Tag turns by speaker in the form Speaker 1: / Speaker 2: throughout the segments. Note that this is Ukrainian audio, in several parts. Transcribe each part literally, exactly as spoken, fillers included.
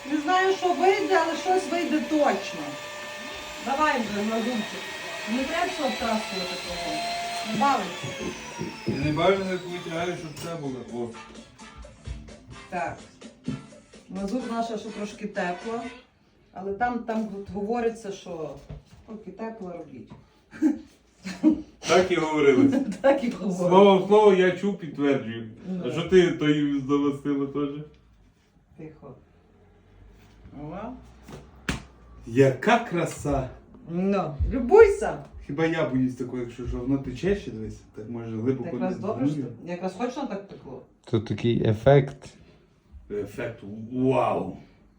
Speaker 1: Не знаю, що вийде, але щось вийде точно. Давай вже, Лазурчик. Не треба все обтраскувати того. Не бавиться.
Speaker 2: Я не бачу, як витягаю, щоб це було. О.
Speaker 1: Так. Лазур наша, що трошки тепло. Але там, там говориться, що поки тепло робіть.
Speaker 2: Так і говорили.
Speaker 1: Так і говорять.
Speaker 2: Слово в слово я чув, підтверджую.
Speaker 1: Ну.
Speaker 2: А що ти тої здовостила теж?
Speaker 1: Тихо. Ова.
Speaker 2: Яка краса!
Speaker 1: Ну, любуйся.
Speaker 2: Хіба я боюсь такого, якщо що воно тече ще десь, так може глибоко
Speaker 1: Якраз добре, що
Speaker 2: днує.
Speaker 1: якраз точно так текло.
Speaker 3: Це такий ефект.
Speaker 2: Ефект вау!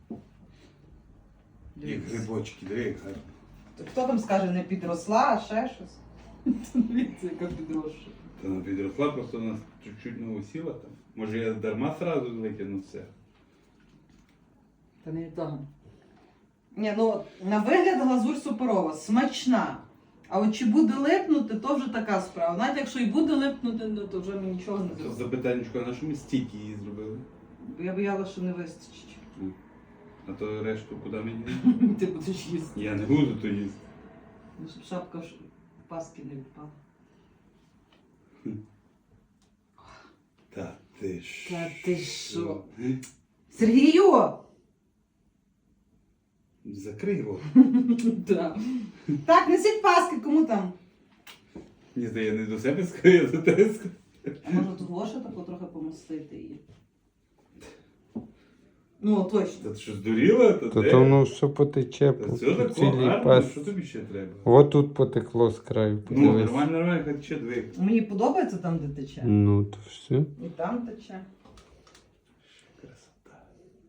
Speaker 2: Як
Speaker 1: Дивіться.
Speaker 2: грибочки, диви, як гарно.
Speaker 1: То хто там скаже, не підросла, а ще щось? Дивіться, яка підросша.
Speaker 2: Та вона підросла, просто вона чуть-чуть не усіла там. Може я дарма сразу викину все.
Speaker 1: Та не від того. Ні, ну на вигляд глазурь суперова, смачна. А от чи буде липнути, то вже така справа. Навіть якщо і буде липнути, ну, то вже ми нічого не
Speaker 2: Це
Speaker 1: зробимо.
Speaker 2: запитаннячко, на що ми стільки її зробили?
Speaker 1: Бо я боялася, що не вистачить.
Speaker 2: А то решту куди мені?
Speaker 1: Ти будеш їсти.
Speaker 2: Я не буду то їсти.
Speaker 1: Ну, щоб шапка ж паски не відпала.
Speaker 2: Та ти що?
Speaker 1: Та ти що? Сергію!
Speaker 2: Закрий його.
Speaker 1: Да. Так, несіть паски, кому там?
Speaker 2: Ні, я не до себе скажу, я до тебе скажу.
Speaker 1: А може того, що тако трохи помастити її? Ну, точно.
Speaker 2: Та ти що здуріла? Та
Speaker 3: То
Speaker 2: де?
Speaker 3: то воно все потече
Speaker 2: Та
Speaker 3: по
Speaker 2: все
Speaker 3: по
Speaker 2: тако,
Speaker 3: цілій
Speaker 2: гарно,
Speaker 3: пасті.
Speaker 2: що тобі ще треба?
Speaker 3: От тут потекло з краю,
Speaker 2: Ну,
Speaker 3: подивись.
Speaker 2: нормально, нормально, хай ще дві.
Speaker 1: Мені подобається там, де тече.
Speaker 3: Ну, то все.
Speaker 1: І там тече.
Speaker 2: Красота.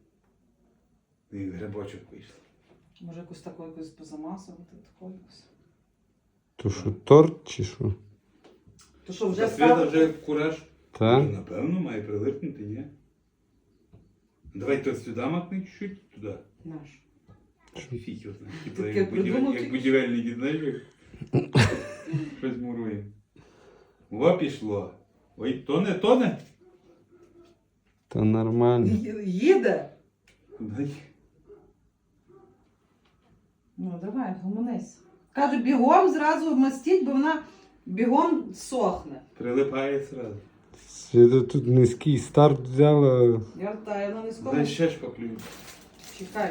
Speaker 2: І грибочок вийшов.
Speaker 1: Може якусь таку якусь позамасувати, таку якусь.
Speaker 3: То що, торт чи що?
Speaker 1: То що, вже
Speaker 2: Та Свята
Speaker 1: ставити?
Speaker 2: вже кураж.
Speaker 3: Та?
Speaker 2: Ну, напевно, має прилипнути, ні? Давай то сюди макни чуть-чуть, туди.
Speaker 1: Наш.
Speaker 2: Фіг його знає. Типу,
Speaker 1: Таке
Speaker 2: як, будівель,
Speaker 1: придумав
Speaker 2: як
Speaker 1: тільки
Speaker 2: будівельники, знаєш, як щось мурує. О, пішло. Ой, тоне, тоне.
Speaker 3: Та нормально.
Speaker 1: Ї- Їде?
Speaker 2: Дай.
Speaker 1: Ну, давай, гомонись. Каже, бігом зразу мастіть, бо вона бігом сохне.
Speaker 2: Прилипає сразу.
Speaker 3: Світа тут низький старт взяла.
Speaker 1: Я втаю, вона не скоро.
Speaker 2: Дай ще шпаклюю.
Speaker 1: Чекай.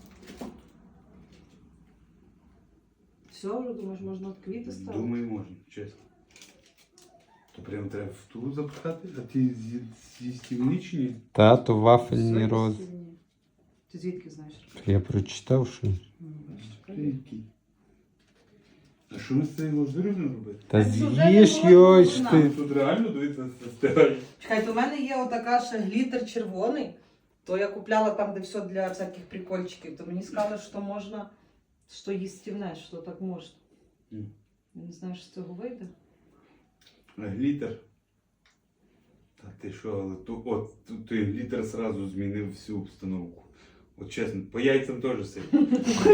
Speaker 1: Все, вже думаєш, можна от квіти ставити?
Speaker 2: Думаю, можна, чесно. То прям треба в ту запхати, а ти з'ї- з'їстівний чи ні?
Speaker 3: Та, то
Speaker 1: Все,
Speaker 3: вафельні роз.
Speaker 1: їстівні. Ти звідки знаєш?
Speaker 3: Я прочитав, що.
Speaker 1: Ну, бачиш, правильно.
Speaker 2: Який? А що ми з цією лазурю не робити?
Speaker 3: Та
Speaker 1: Та вже не
Speaker 3: з'їж
Speaker 1: було
Speaker 3: його ж
Speaker 1: вона.
Speaker 3: ти.
Speaker 2: Тут реально, дивіться, стирає.
Speaker 1: Чекайте, у мене є отака ще глітер червоний, то я купляла там, де все для всяких прикольчиків, то мені сказали, що можна, що їстівне, що так можна.
Speaker 2: Мгм.
Speaker 1: Я не знаю, що з цього вийде.
Speaker 2: А глітер. Та ти що, але ту, от, ту, той глітер сразу змінив всю обстановку. От чесно, по яйцям теж сильно.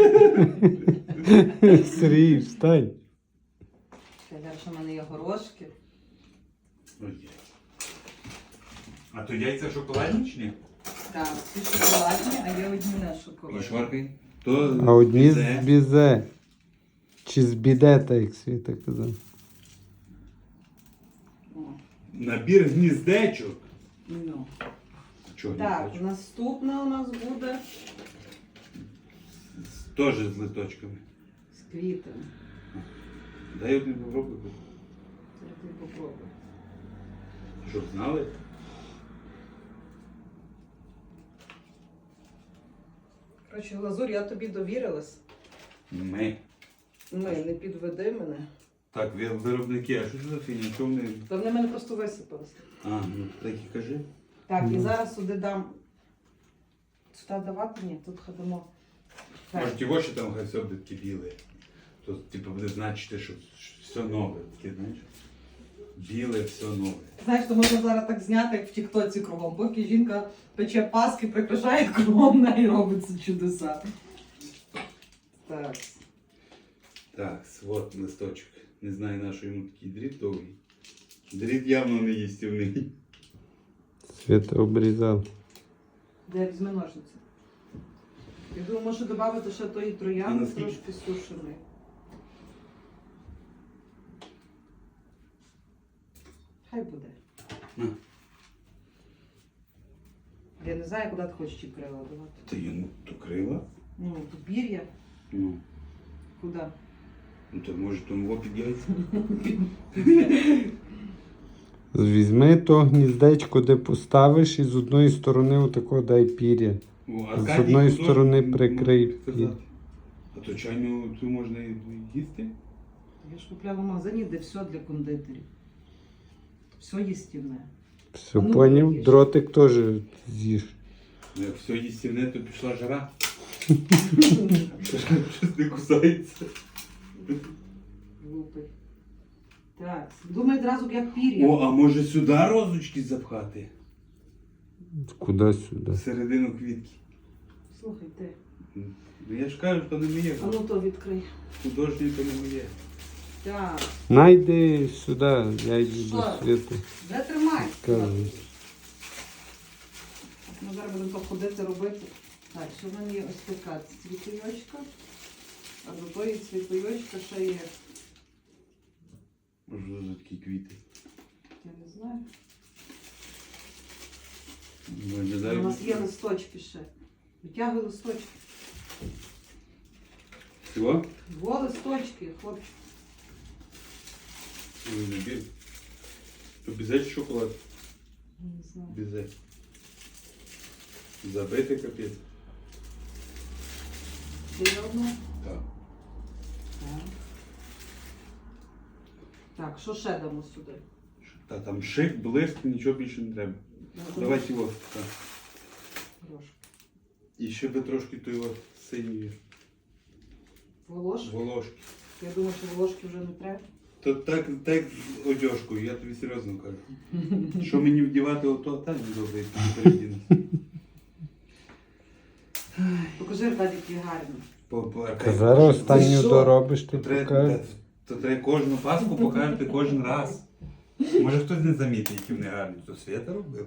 Speaker 3: Сергій, встань.
Speaker 1: Далі в мене є горошки.
Speaker 2: Ой. А то яйця шоколадні чи ні?
Speaker 1: Так, ці шоколадні, а є одні не шоколадні.
Speaker 2: Шваркай. То
Speaker 3: А одні з
Speaker 2: бізе.
Speaker 3: бізе. Чи з бідета, як Світа казав.
Speaker 1: О,
Speaker 2: Набір гніздечок.
Speaker 1: ну.
Speaker 2: Чого
Speaker 1: Так,
Speaker 2: гніздечок?
Speaker 1: наступна у нас буде
Speaker 2: Теж з листочками.
Speaker 1: з квітами.
Speaker 2: Дай один попробуй.
Speaker 1: Зараз ти попробуй.
Speaker 2: Щоб знали?
Speaker 1: Коротше, Глазур, я тобі довірилась.
Speaker 2: Ми.
Speaker 1: Ми, не підведи мене.
Speaker 2: Так, ви- виробники, а що це за фігня? Чому вони...
Speaker 1: Та вони в мене просто висипалися.
Speaker 2: А, ну так і кажи.
Speaker 1: Так, і
Speaker 3: Ну.
Speaker 1: зараз сюди дам. Сюди давати? Ні, тут ходимо. Так.
Speaker 2: Може, ті очі там хай все буде таке біле. То, типу, буде значити, що все нове. Таке, знаєш? Біле, все нове.
Speaker 1: Знаєш, то можна зараз так зняти, як в тіктоці кругом. Поки жінка пече паски, прикрашає кругом, неї робиться чудеса. Так.
Speaker 2: Так, от листочок. Не знаю, на що йому такий дріт довгий. Дріт явно не їстівний.
Speaker 3: Світа обрізав.
Speaker 1: Де візьми ножниці? Я думаю, може додати ще тої троянди
Speaker 2: наскільки?
Speaker 1: трошки сушеної. Хай буде.
Speaker 2: На.
Speaker 1: Я не знаю, куди ти хочеш ті крила давати.
Speaker 2: Та я ну, то крила.
Speaker 1: Ну, то пір'я.
Speaker 2: Ну,
Speaker 1: Куди?
Speaker 2: ну то може тому під яйця.
Speaker 3: Візьми то гніздечко, де поставиш, і з одної сторони отако дай пір'я.
Speaker 2: О,
Speaker 3: З
Speaker 2: Аркадій
Speaker 3: одної
Speaker 2: художник,
Speaker 3: сторони
Speaker 2: він
Speaker 3: прикрий
Speaker 2: може підказати. А то чайну цю можна і їсти?
Speaker 1: Я ж купляла в магазині, де все для кондитерів. Все їстівне.
Speaker 3: Все,
Speaker 1: Ну,
Speaker 3: поняв?
Speaker 1: їж.
Speaker 3: Дротик теж з'їж.
Speaker 2: Ну, як все їстівне, то пішла жара. Щось не кусається.
Speaker 1: Глупий. Так, думай одразу, як пір'я.
Speaker 2: О, а може сюди розочки запхати?
Speaker 3: Куди сюди?
Speaker 2: Всередину квітки.
Speaker 1: Слухай, ти.
Speaker 2: Ну я ж кажу, то не моє.
Speaker 1: А ну то відкрий.
Speaker 2: Художнє то не моє.
Speaker 1: Так.
Speaker 3: Найди сюди, я йду
Speaker 1: Що?
Speaker 3: до світу.
Speaker 1: Де тримай?
Speaker 3: Кажу.
Speaker 1: Ми зараз будемо то ходити робити. Так, що в мене є ось така цвітойочка. А до тої цвітойочка ще є.
Speaker 2: Може за такі квіти.
Speaker 1: Я не знаю. У
Speaker 2: Виглядає.
Speaker 1: нас є листочки ще. Витягуй листочки.
Speaker 2: Всього?
Speaker 1: Два листочки, хлопчик.
Speaker 2: Ой, не біль. То бізе чи шоколад?
Speaker 1: Не знаю.
Speaker 2: Бізе. Забити капець.
Speaker 1: Ще одну.
Speaker 2: Так.
Speaker 1: Так. Так, що ще дамо сюди?
Speaker 2: Та там шик, блиск, нічого більше не треба. Давай його. Так.
Speaker 1: Трошки.
Speaker 2: І ще би трошки то його синьої
Speaker 1: Волошки.
Speaker 2: волошки.
Speaker 1: Я думаю, що волошки вже не треба.
Speaker 2: То так, так з одежкою, я тобі серйозно кажу. Що мені вдівати ото, так не добре, як тобі передіну.
Speaker 1: Покажи, Аркадій, які гарні.
Speaker 2: По- по-
Speaker 3: Та зараз
Speaker 1: Ти
Speaker 3: останню
Speaker 1: що?
Speaker 3: доробиш, ти
Speaker 2: То треба,
Speaker 3: покажеш.
Speaker 2: то треба кожну паску покажете кожен раз. Може хтось не замітить, які вони гарні. То Свята робила.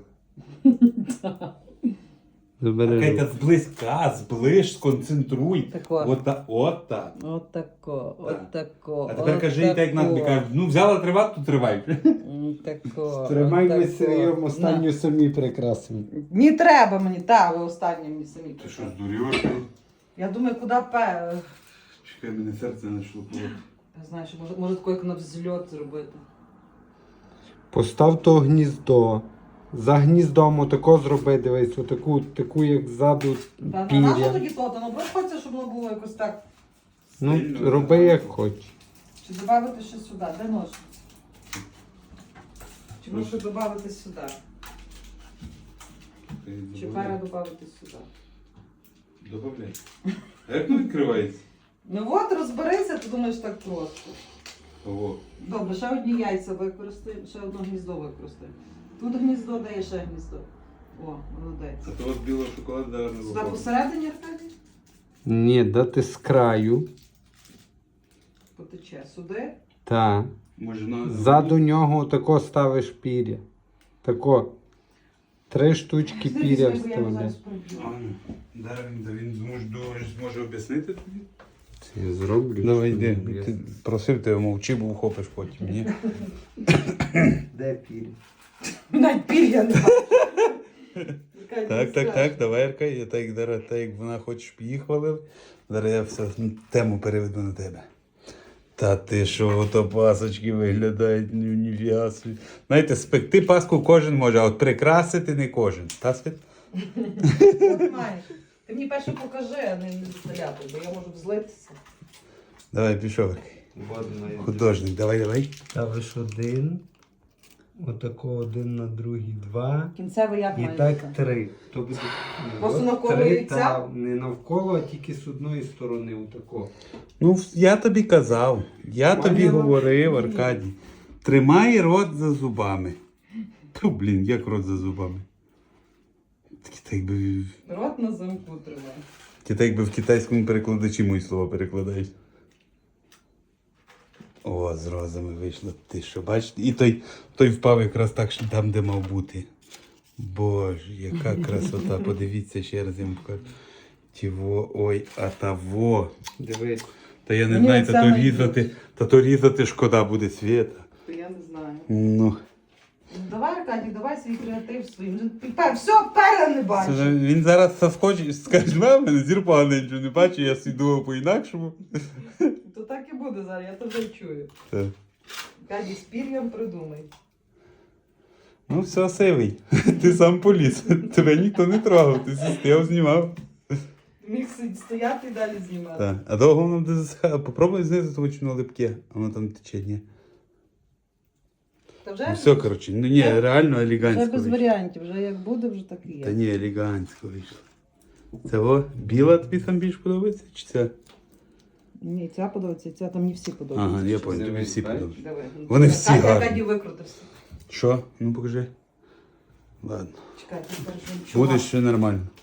Speaker 3: Забери.
Speaker 2: Кайка зблизька, зближ, сконцентруй.
Speaker 1: Тако.
Speaker 2: От так, от так.
Speaker 1: Отако,
Speaker 2: Так.
Speaker 1: отако.
Speaker 2: А тепер кажи, і так нам кажуть, ну взяла тривати, то тривай.
Speaker 1: Тако.
Speaker 3: Тримай ми
Speaker 1: отако.
Speaker 3: серйозно останню самі прикрасимо.
Speaker 1: Не треба мені, так, ви останні мені самі.
Speaker 2: Ти що,
Speaker 1: казали.
Speaker 2: здурюєш?
Speaker 1: Я думаю, куди пе.
Speaker 2: Чекай, мене серце почало колоти.
Speaker 1: Я знаю, що може, може такий як на взльот зробити.
Speaker 3: Постав то гніздо. За гніздом отако зроби, дивись, отаку, таку, як ззаду
Speaker 1: Та на нащо
Speaker 3: пір'я.
Speaker 1: тоді то? Та ну хочеться, щоб воно було якось так.
Speaker 3: Ну,
Speaker 2: Стильно,
Speaker 3: роби
Speaker 2: да.
Speaker 3: як хочеш.
Speaker 1: Чи додати ще сюди? Де ножниці? Чи може додати сюди? Чи пара додати сюди?
Speaker 2: Добавляй. А як воно відкривається?
Speaker 1: Ну от, розберися, ти думаєш так просто.
Speaker 2: Ого.
Speaker 1: Добре, ще одні яйця використаємо, ще одне гніздо використаємо. Тут гніздо, де є ще гніздо. О, молодець.
Speaker 2: А то от білого шоколаду даже не
Speaker 1: Сюди
Speaker 2: виходить.
Speaker 1: посередині, Аркадій?
Speaker 3: Ні, дати з краю.
Speaker 1: Потече. Сюди.
Speaker 3: Та.
Speaker 2: Може на...
Speaker 3: Ззаду нього тако ставиш пір'я. Тако. Три штучки
Speaker 1: Ти
Speaker 3: пір'я
Speaker 1: візьми, бо я його зараз
Speaker 3: вставляй.
Speaker 2: А,
Speaker 1: проб'ю.
Speaker 2: ну. Зараз він, да, він зможе, думаєш, зможе об'яснити тобі?
Speaker 3: Це я зроблю.
Speaker 2: Давай
Speaker 3: що
Speaker 2: йди.
Speaker 3: не
Speaker 2: Ти просив тебе мовчи, бо вхопиш потім, ні?
Speaker 3: Де пір'я?
Speaker 1: Навіть пір'я не
Speaker 2: Так, так, так, давай, Арка, я так, зараз, так як вона хоче, щоб її хвалив. Зараз я все тему переведу на тебе. Та ти що, ото пасочки виглядають, ну ніфіга собі. Знаєте, спекти паску кожен може, а от прикрасити не кожен. Та, Світ?
Speaker 1: От маєш. Ти мені перше покажи, а не стріляти, бо я можу взлитися.
Speaker 2: Давай, пішов. Художник, давай, давай.
Speaker 3: Ставиш один. Отако один на другий два.
Speaker 1: Кінцевий як
Speaker 3: І
Speaker 1: має
Speaker 3: так
Speaker 1: бути?
Speaker 3: три. То буде
Speaker 1: Просто
Speaker 3: от
Speaker 1: навколо
Speaker 3: три,
Speaker 1: яйця?
Speaker 3: та, не навколо, а тільки з одної сторони. Отако.
Speaker 2: Ну, я тобі казав, я
Speaker 3: Поняла?
Speaker 2: тобі говорив, Аркадій. Тримай рот за зубами. Ту, блін, як рот за зубами. Такі так би,
Speaker 1: Рот на замку тримай.
Speaker 2: ті так би в китайському перекладачі мої слова перекладають. О, з розами вийшло. Ти що, бачиш? І той, той впав якраз так, що там, де мав бути. Боже, яка красота. Подивіться ще раз, я вам покажу. Тіво, ой, а того.
Speaker 3: Дивись.
Speaker 2: Та я не
Speaker 1: Мені
Speaker 2: знаю,
Speaker 1: оця
Speaker 2: та то
Speaker 1: найбільше.
Speaker 2: різати, та то різати шкода буде Свєта.
Speaker 1: То я не знаю.
Speaker 2: Ну.
Speaker 1: Ну, давай, Аркадій, давай свій креатив своїм. Вже тепер все, пера не бачу.
Speaker 2: Це, він зараз заскочить, скаже, мам, мене зір поганий, нічого не бачу, я свій думав по-інакшому.
Speaker 1: То так і буде зараз, я то вже чую.
Speaker 2: Так.
Speaker 1: Аркадій, з пір'ям придумай.
Speaker 2: Ну все, сивий. Ти сам поліз. Тебе ніхто не трогав, ти стояв, знімав.
Speaker 1: Міг сидіти, стояти і далі знімати.
Speaker 2: Так. А довго воно буде засихати. Попробуй знизу, тому що воно липке, а воно там тече, ні.
Speaker 1: Та вже,
Speaker 2: Ну все, коротше, ну ні,
Speaker 1: Вже-
Speaker 2: реально
Speaker 1: вже
Speaker 2: елегантсько
Speaker 1: без
Speaker 2: вийшло.
Speaker 1: варіантів, вже як буде, вже так і є.
Speaker 2: Та ні, елегантсько вийшло. Це о, біла тобі там більш подобається, чи це?
Speaker 1: Ні, ця подобається, ця там не всі подобаються.
Speaker 2: Ага, я понял, тобі
Speaker 3: Дивись,
Speaker 2: всі
Speaker 3: бачиш?
Speaker 2: подобаються.
Speaker 1: Давай.
Speaker 2: Вони всі
Speaker 1: Аркадій,
Speaker 2: гарні.
Speaker 1: Аркадій викрутився.
Speaker 2: Що? Ну покажи. Ладно.
Speaker 1: Чекай, ти скажеш, він чувак.
Speaker 2: Буде ще нормально.